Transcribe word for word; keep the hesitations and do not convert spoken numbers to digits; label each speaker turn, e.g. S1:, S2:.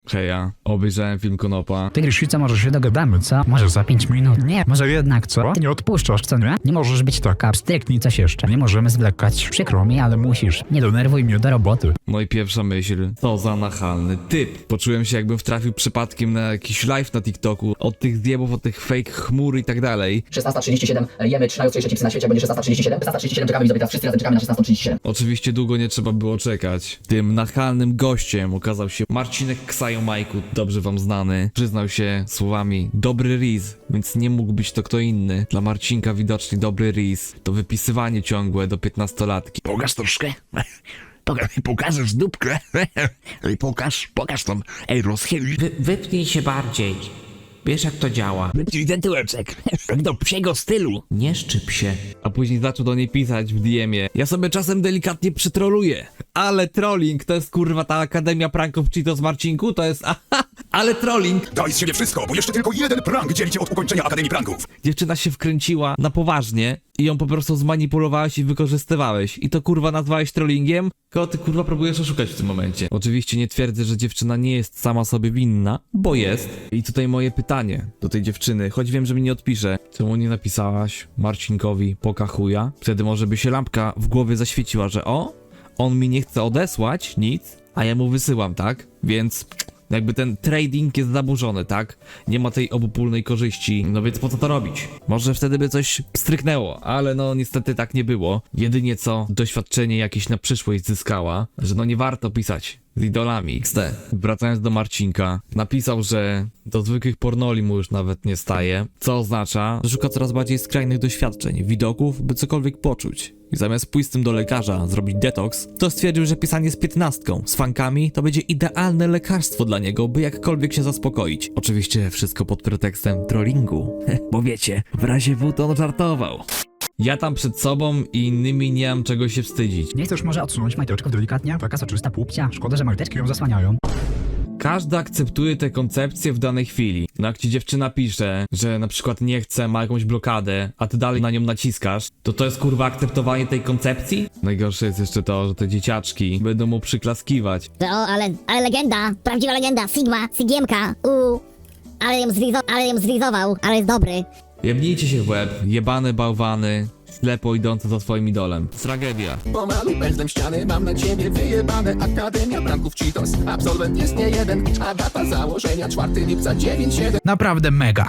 S1: Heja, obejrzałem film Konopa.
S2: Ty, Grzesica, może się dogadamy, co? Może za pięć minut? Nie, może jednak, co? Ty nie odpuszczasz, co nie? Nie możesz być taka abstryktni, coś jeszcze. Nie możemy zwlekać. Przykro mi, ale musisz. Nie denerwuj mnie do roboty.
S1: No i pierwsza myśl, co za nachalny typ. Poczułem się, jakbym wtrafił przypadkiem na jakiś live na TikToku. Od tych zjebów, od tych fake chmur i tak dalej.
S3: szesnasta trzydzieści siedem, jemy trzy najostrzejsze chipsy na świecie, będzie szesnasta trzydzieści siedem, szesnasta trzydzieści siedem, czekamy widzowie, teraz wszyscy razem czekamy na szesnastą trzydzieści siedem.
S1: Oczywiście długo nie trzeba było czekać. Tym nachalnym gościem okazał się Marcinek Ksajomajku, dobrze wam znany. Przyznał się słowami dobry riz, więc nie mógł być to kto inny. Dla Marcinka widocznie dobry riz to wypisywanie ciągłe do piętnastolatki.
S4: Pokaż troszkę. Pokaż, pokażesz dupkę. Ej, pokaż, pokaż tam. Ej, rozchyl.
S5: Wy, wypnij się bardziej. Wiesz jak to działa.
S4: Wypnij ten tyłeczek. Jak do psiego stylu.
S5: Nie szczyp się.
S1: A później zaczął do niej pisać w D M-ie. Ja sobie czasem delikatnie przytroluję. Ale trolling to jest kurwa ta Akademia Pranków Cheetos Marcinku? To jest aha, ale trolling.
S6: Daj z siebie wszystko, bo jeszcze tylko jeden prank dzieli cię od ukończenia Akademii Pranków.
S1: Dziewczyna się wkręciła na poważnie i ją po prostu zmanipulowałeś i wykorzystywałeś. I to kurwa nazwałeś trollingiem? Kogo ty kurwa próbujesz oszukać w tym momencie? Oczywiście nie twierdzę, że dziewczyna nie jest sama sobie winna, bo jest. I tutaj moje pytanie do tej dziewczyny, choć wiem, że mi nie odpisze. Czemu nie napisałaś Marcinkowi poka chuja? Wtedy może by się lampka w głowie zaświeciła, że o, on mi nie chce odesłać nic, a ja mu wysyłam, tak? Więc jakby ten trading jest zaburzony, tak? Nie ma tej obopólnej korzyści, no więc po co to robić? Może wtedy by coś stryknęło, ale no niestety tak nie było. Jedynie co doświadczenie jakieś na przyszłość zyskała, że no nie warto pisać z idolami X D. Wracając do Marcinka, napisał, że do zwykłych pornoli mu już nawet nie staje, co oznacza, że szuka coraz bardziej skrajnych doświadczeń, widoków, by cokolwiek poczuć. I zamiast pójść z tym do lekarza, zrobić detoks, to stwierdził, że pisanie z piętnastką, z fankami, to będzie idealne lekarstwo dla niego, by jakkolwiek się zaspokoić. Oczywiście wszystko pod pretekstem trollingu, bo wiecie, w razie W to on żartował. Ja tam przed sobą i innymi nie mam czego się wstydzić.
S2: Nie chcesz może odsunąć majteczków delikatnie? Taka soczysta pupcia. Szkoda, że majteczki ją zasłaniają.
S1: Każdy akceptuje te koncepcje w danej chwili. No jak ci dziewczyna pisze, że na przykład nie chce, ma jakąś blokadę, a ty dalej na nią naciskasz, to to jest kurwa akceptowanie tej koncepcji? Najgorsze jest jeszcze to, że te dzieciaczki będą mu przyklaskiwać.
S7: Że o, ale, ale legenda, prawdziwa legenda, Sigma, Sigiemka, u, ale ją, zlizo, ale ją zlizował, ale jest dobry.
S1: Jebnijcie się w łeb, jebane bałwany, ślepo idące za swoim idolem. Tragedia.
S8: Pomalu pędzlem ściany, mam na ciebie wyjebane. Akademia Pranków Cheetos, absolwent jest nie jeden. A data założenia czwartego lipca dziewięć siedem.
S2: Naprawdę mega.